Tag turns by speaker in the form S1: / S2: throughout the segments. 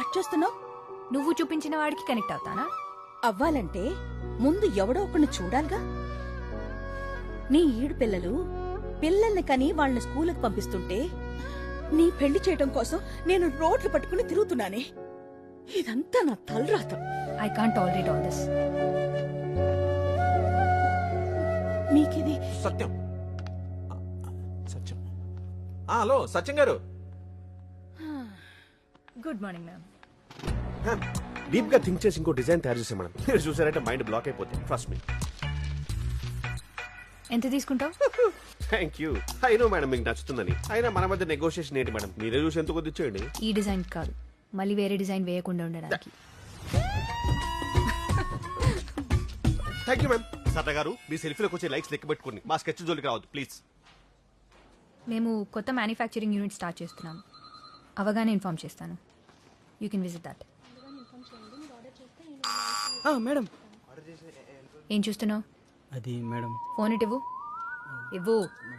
S1: Cut చేస్తున్నావు?
S2: నువ్వు చూపించిన వాడికి కనెక్ట్ అవుతానా?
S1: అవ్వాలంటే ముందు ఎవడో ఒకరిని చూడాలిగా. నీ ఈడు పిల్లల్ని కని వాళ్ళని స్కూలుకి పంపిస్తుంటే నీ పెళ్లి చేయడం కోసం నేను రోడ్లు పట్టుకుని తిరుగుతున్నానే. ఇదంతా నా తలరాత.
S2: I can't tolerate all this.
S1: మీకిది
S3: సత్యం. సత్యం. హలో సత్యం గారు.
S2: Good morning ma'am.
S4: డీప్ గా థింక్ చేసి ఇంకో డిజైన్ తయారు చేసాం మేడం. మీరు చూసారంటే మైండ్ బ్లాక్ అయిపోతుంది. Trust me.
S2: ఎంత తీసుకుంటావు?
S4: Thank you. అయినో మేడం మీకు నచ్చుతుందని. అయినా మన మధ్య నెగోషియేషన్ ఏంటి మేడం? మీరే చూసి ఎంత కొద్ది ఇచ్చేయండి.
S2: ఈ డిజైన్ కాదు, మళ్ళీ వేరే డిజైన్ వేయకుండా ఉండడానికి.
S4: Thank you ma'am. సరదా గారు మీ సెల్ఫీలోకి వచ్చే లైక్స్ లెక్క పెట్టుకోండి. మా స్కెచ్ జోలికి రావద్దు ప్లీజ్.
S2: మేము కొత్త మ్యానుఫ్యాక్చరింగ్ యూనిట్ స్టార్ట్ చేస్తున్నాం. అవగానే ఇన్ఫార్మ్ చేస్తాను. You can visit that.
S5: Madam
S2: ఏం చూస్తున్నావు?
S5: అది మేడం.
S2: ఫోన్ ఇటు ఇవ్వు.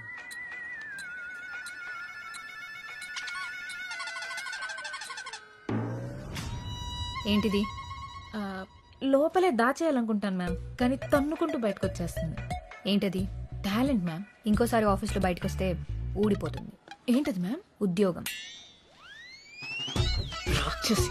S2: ఏంటిది?
S6: లోపలే దాచేయాలనుకుంటాను మ్యామ్, కానీ తన్నుకుంటూ బయటకు వచ్చేస్తుంది.
S2: ఏంటది?
S6: Talent ma'am.
S2: ఇంకోసారి ఆఫీస్లో బయటకు వస్తే ఊడిపోతుంది.
S6: ఏంటది మ్యామ్?
S2: ఉద్యోగం.
S6: రాక్షసి.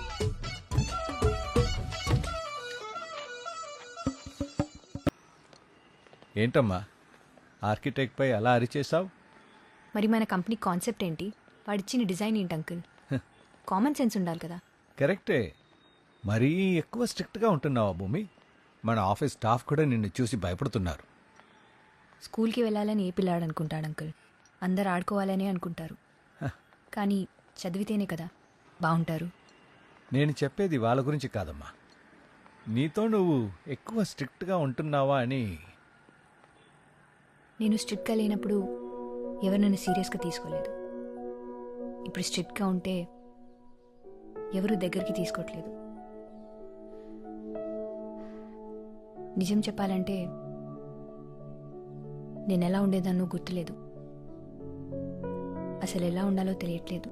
S7: ఏంటమ్మా ఆర్కిటెక్ట్ పై అలా అరిచేసావు?
S2: మరి మన కంపెనీ కాన్సెప్ట్ ఏంటి? వాడిచ్చిన డిజైన్ ఏంటి అంకుల్? కామన్ సెన్స్ ఉండాలి కదా.
S7: కరెక్టే. మరీ ఎక్కువ స్ట్రిక్ట్గా ఉంటున్నావా భూమి? మన ఆఫీస్ స్టాఫ్ కూడా నిన్ను చూసి భయపడుతున్నారు.
S2: స్కూల్కి వెళ్ళాలని ఏ పిల్లాడు అనుకుంటాడు అంకుల్? అందరు ఆడుకోవాలనే అనుకుంటారు. కానీ చదివితేనే కదా బాగుంటారు.
S7: నేను చెప్పేది వాళ్ళ గురించి కాదమ్మా, నీతో నువ్వు ఎక్కువ స్ట్రిక్ట్గా ఉంటున్నావా అని.
S2: నేను స్ట్రిక్ట్గా లేనప్పుడు ఎవరు నన్ను సీరియస్గా తీసుకోలేదు. ఇప్పుడు స్ట్రిక్ట్గా ఉంటే ఎవరు దగ్గరికి తీసుకోవట్లేదు. నిజం చెప్పాలంటే నేను ఎలా ఉండేదాన్నో గుర్తులేదు. అసలు ఎలా ఉండాలో తెలియట్లేదు.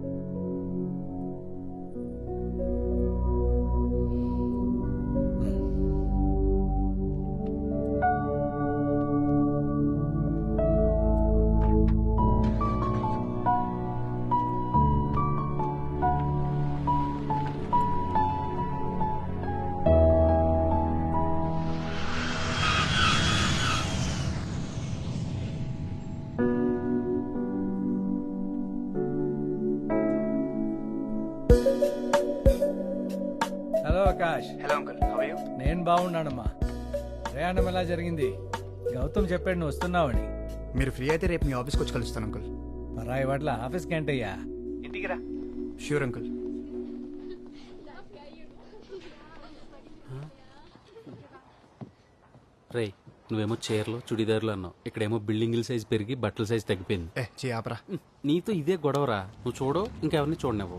S7: Hello Akash.
S5: Hello uncle, how are you?
S7: నేను బాగున్నానమ్మా. ప్రయాణం ఎలా జరిగింది? గౌతమ్ చెప్పాడు నువ్వు వస్తున్నావని.
S5: మీరు ఫ్రీ అయితే రేపు మీ ఆఫీస్కి వచ్చి కలుస్తాను అంకుల్.
S7: పరాయి వాట్ల ఆఫీస్కి ఏంటయ్యా?
S5: ఇంటికి రా. Sure uncle.
S8: రే, నువ్వేమో చీరలు చుడిదారులు అన్నావు, ఇక్కడేమో బిల్డింగుల సైజ్ పెరిగి బట్టల సైజ్ తగ్గిపోయింది.
S5: ఆపరా.
S8: నీతో ఇదే గొడవరా. నువ్వు చూడవు, ఇంకెవరిని చూడనివ్వు.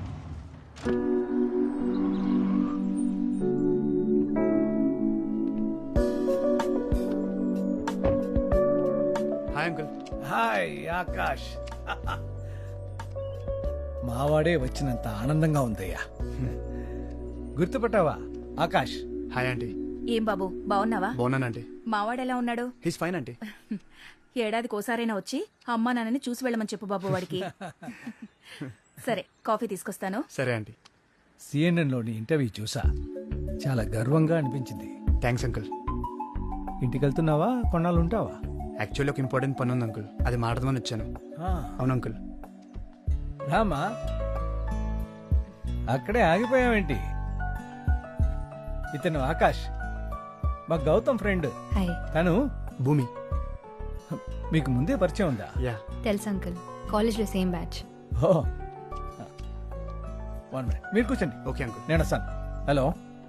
S5: Hi uncle.
S7: హాయ్ ఆకాష్. మావాడే వచ్చినంత ఆనందంగా ఉందయ్యా. గుర్తుపట్టావా ఆకాష్?
S5: Hi aunty.
S1: ఏం బాబు, బావున్నావా?
S5: బాగున్నాను ఆంటీ.
S1: మావాడెలా ఉన్నాడు?
S5: He's fine aunty.
S1: ఏడాదికి ఓసారైనా వచ్చి అమ్మా నాన్నని చూసి వెళ్ళమని చెప్పు బాబు వాడికి. సరే, కాఫీ తీసుకొస్తాను.
S5: సరే ఆంటీ.
S7: సిఎన్ఎన్లోని ఇంటర్వ్యూ చూసా, చాలా గర్వంగా అనిపించింది.
S5: Thanks uncle.
S7: ఇంటికి వెళ్తున్నావా? కొన్నాళ్ళు ఉంటావా?
S5: యాక్చువల్లీ ఒక ఇంపార్టెంట్ పని ఉంది అంకుల్, అది మాట్లాడదామని వచ్చాను. అవును అంకుల్.
S7: రామా, అక్కడే ఆగిపోయావేంటి? ఇతను ఆకాష్, మా గౌతమ్ ఫ్రెండ్.
S2: హాయ్.
S7: తను
S5: భూమి.
S7: మీకు ముందే పరిచయం ఉందా?
S5: యా.
S2: తెలుసు అంకుల్, కాలేజ్లో సేమ్ బ్యాచ్.
S7: ఓ, 1 minute, మీరు కూర్చోండి.
S5: Okay uncle.
S7: నేను వస్తాను. హలో.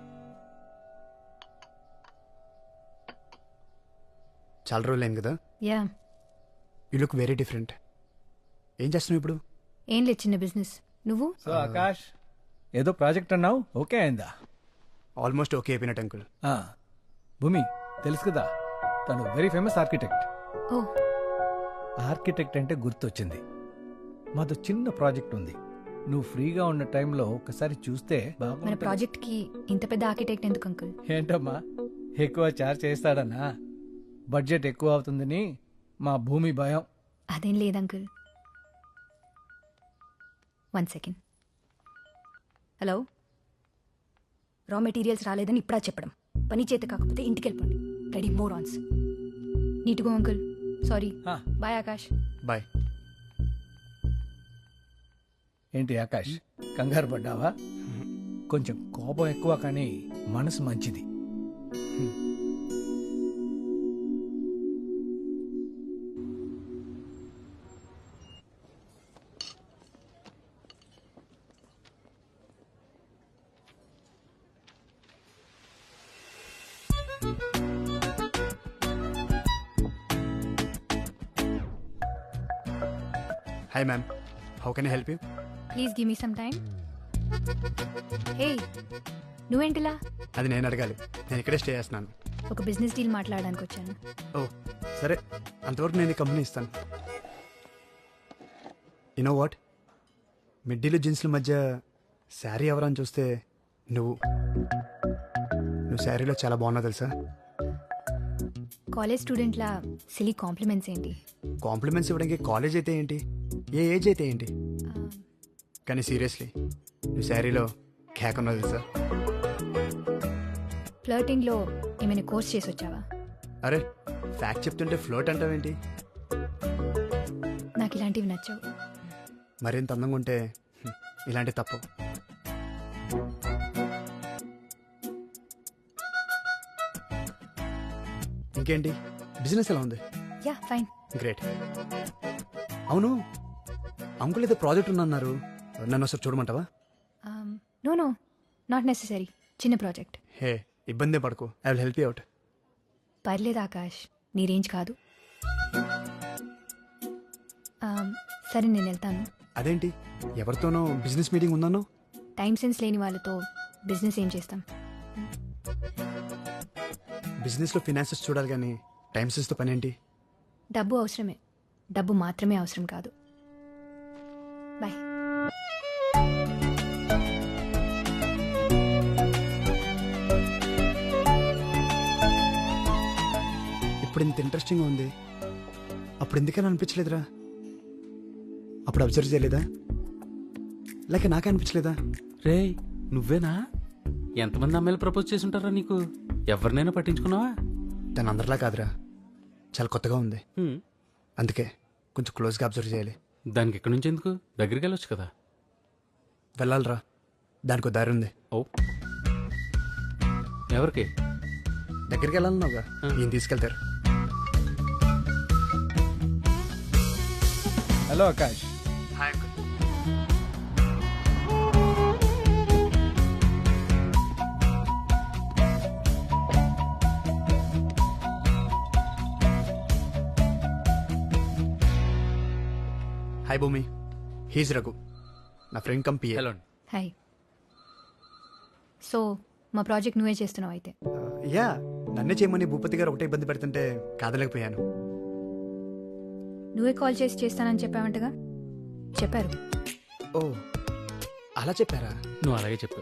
S5: చాలా రోజులు అయింది కదా.
S2: Yeah.
S5: You look very different. ఏం చేస్తున్నావు ఇప్పుడు?
S2: ఏం లేదు, చిన్న బిజినెస్. నువ్వు?
S7: సో ఆకాష్, ఏదో ప్రాజెక్ట్ అన్నావు, ఓకే అయిందా?
S5: ఆల్మోస్ట్ ఓకే అయిపోయినట్టు అంకుల్.
S7: భూమి తెలుసు కదా, తను very famous architect.
S2: Oh,
S7: architect అంటే గుర్తొచ్చింది. మాతో చిన్న ప్రాజెక్ట్ ఉంది, నువ్వు ఫ్రీగా ఉన్న టైంలో ఒకసారి చూస్తే
S2: మన
S7: బాగుంటుంది.
S2: ప్రాజెక్ట్కి ఇంత పెద్ద ఆర్కిటెక్ట్ ఎందుకు అంకుల్?
S7: ఏంటమ్మా ఎక్కువ చార్జ్ చేస్తాడన్నా? బడ్జెట్ ఎక్కువ అవుతుందని మా భూమి భయం.
S2: అదేం లేదు uncle. 1 second. Hello, raw materials రాలేదని ఇప్పుడా చెప్పడం. పని చేత కాకపోతే ఇంటికి వెళ్ళిపోండి. రెడీ మోర్ ఆన్స్. నీట్గా అంకుల్. సారీ.
S7: ఆ.
S2: బాయ్ ఆకాష్.
S5: బాయ్.
S7: ఏంటి ఆకాష్, కంగారు పడ్డావా? కొంచెం కోపం ఎక్కువ కానీ మనసు మంచిది.
S5: Hi ma'am, how can I help you?
S2: Please give me some time. Hey, నువ్వేంటిలా?
S5: అది నేను అడగాలి. నేను ఇక్కడే స్టే చేస్తున్నాను.
S2: ఒక బిజినెస్ డీల్ మాట్లాడడానికి వచ్చాను.
S5: ఓ సరే, అంతవరకు నేను ఈ కంపెనీ ఇస్తాను. యునో వాట్, మిడ్డీలు జీన్స్ల మధ్య శారీ ఎవరని చూస్తే నువ్వు శారీలో చాలా బాగున్నావు తెలుసా.
S2: కాలేజ్ స్టూడెంట్లా సిలీ కాంప్లిమెంట్స్ ఏంటి?
S5: కాంప్లిమెంట్స్ ఇవ్వడానికి కాలేజ్ అయితే ఏంటి, ఏ ఏజ్ అయితే ఏంటి, కానీ సీరియస్లీ నువ్వు శారీలో కేక్ ఉన్నావు తెలుసా.
S2: ఫ్లర్టింగ్లో ఏమైనా కోర్స్ చేసి వచ్చావా?
S5: అరే ఫ్యాక్ట్ చెప్తుంటే ఫ్లోట్ అంటావేంటి?
S2: నాకు ఇలాంటివి నచ్చవు.
S5: మరింత అందంగా ఉంటే ఇలాంటి తప్పు. ఇంకేంటి, బిజినెస్ ఎలా ఉంది?
S2: Yeah fine.
S5: గ్రేట్. అవును, అంకుల్ ఏదో ప్రాజెక్ట్ ఉందన్నారు, నన్ను ఒకసారి చూడమంటావా?
S2: No no, not necessary. చిన్న ప్రాజెక్ట్.
S5: హే ఇబ్బందే పడకు, I will help you out.
S2: పర్లేదు ఆకాష్, నీ రేంజ్ కాదు. సరే నేను వెళ్తాను.
S5: అదేంటి, ఎవరితోనో బిజినెస్ మీటింగ్ ఉందన్నో?
S2: టైం సెన్స్ లేని వాళ్ళతో బిజినెస్ ఏం చేస్తాం?
S5: బిజినెస్లో ఫినాన్సెస్ చూడాలి కానీ టైం సెన్స్తో పని ఏంటి?
S2: డబ్బు అవసరమే, డబ్బు మాత్రమే అవసరం కాదు. బాయ్.
S5: ఇప్పుడు ఇంత ఇంట్రెస్టింగ్గా ఉంది, అప్పుడు ఎందుకని అనిపించలేదురా? అప్పుడు అబ్జర్వ్ చేయలేదా, లేక నాకే అనిపించలేదా?
S8: రే నువ్వేనా? ఎంతమంది అమ్మాయిలు ప్రపోజ్ చేసి ఉంటారా నీకు? ఎవరినైనా పట్టించుకున్నావా?
S5: తను అందరిలా కాదురా, చాలా కొత్తగా ఉంది.
S8: హ్మ్.
S5: అందుకే కొంచెం క్లోజ్గా అబ్జర్వ్ చేయాలి.
S8: దానికి ఎక్కడి నుంచి ఎందుకు? దగ్గరికి వెళ్ళొచ్చు కదా.
S5: వెళ్ళాలిరా, దానికి దారి ఉంది.
S8: ఓ, ఎవరికి?
S5: దగ్గరికి వెళ్ళాలన్నావుగా, ఈయన తీసుకెళ్తారు.
S7: Hello Akash.
S5: Hi uncle. Hi Bhumi, he's Raghu, నా ఫ్రెండ్ కంపీ.
S8: హలో.
S2: హాయ్. సో మా ప్రాజెక్ట్ నువ్వే చేస్తున్నావు అయితే?
S5: యా, నన్నే చేయమని భూపతి గారు ఒకటే ఇబ్బంది పెడుతుంటే కాదలేకపోయాను.
S2: నువ్వే కాల్ చేసి చేస్తానని చెప్పావంటగా? చెప్పారు.
S5: ఓ అలా చెప్పారా?
S8: నువ్వు అలాగే చెప్పు.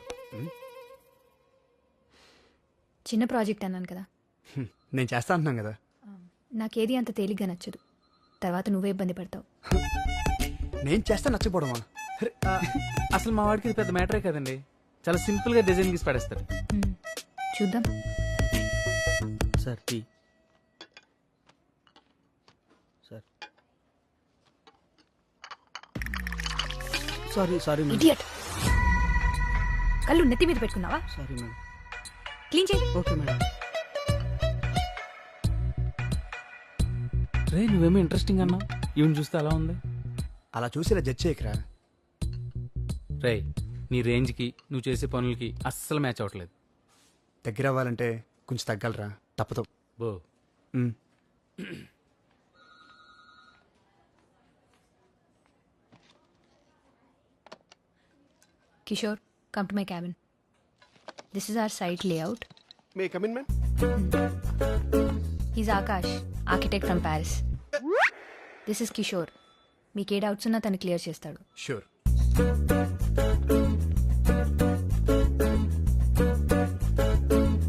S2: చిన్న ప్రాజెక్ట్ అన్నాను కదా.
S5: నేను చేస్తా అంటున్నాను కదా.
S2: నాకేది అంత తేలిగ్గా నచ్చదు, తర్వాత నువ్వే ఇబ్బంది పడతావు.
S5: నేను చేస్తా నచ్చపోవడమా?
S8: అసలు మా వాడికి ఇది పెద్ద మ్యాటరే కదండి. చాలా సింపుల్ గా డిజైన్ గీసి పడేస్తారు.
S2: చూద్దాం.
S8: Sir tea. Sir sorry
S2: idiot. కళ్ళు నెత్తి మీద పెట్టుకున్నావా?
S8: Sorry madam.
S2: క్లీన్ చేయి.
S8: Okay madam. రే నువ్వేమో ఇంట్రెస్టింగ్ అన్నావు, ఈవెన్ చూస్తే అలా ఉంది.
S5: అలా చూసి ఇలా జడ్జ్ చేయకరా.
S8: రే నీ రేంజ్కి నువ్వు చేసే పనులకి అస్సలు మ్యాచ్ అవ్వట్లేదు.
S5: దగ్గర అవ్వాలంటే కొంచెం తగ్గలరా, తప్పదు.
S8: బో.
S5: మ్.
S2: Kishore, come to my cabin. This is our site layout.
S4: May come in ma'am.
S2: He's Akash, architect from Paris. This is Kishore. మీకు ఏ డౌట్స్ ఉన్నా తను క్లియర్ చేస్తాడు.
S5: షూర్.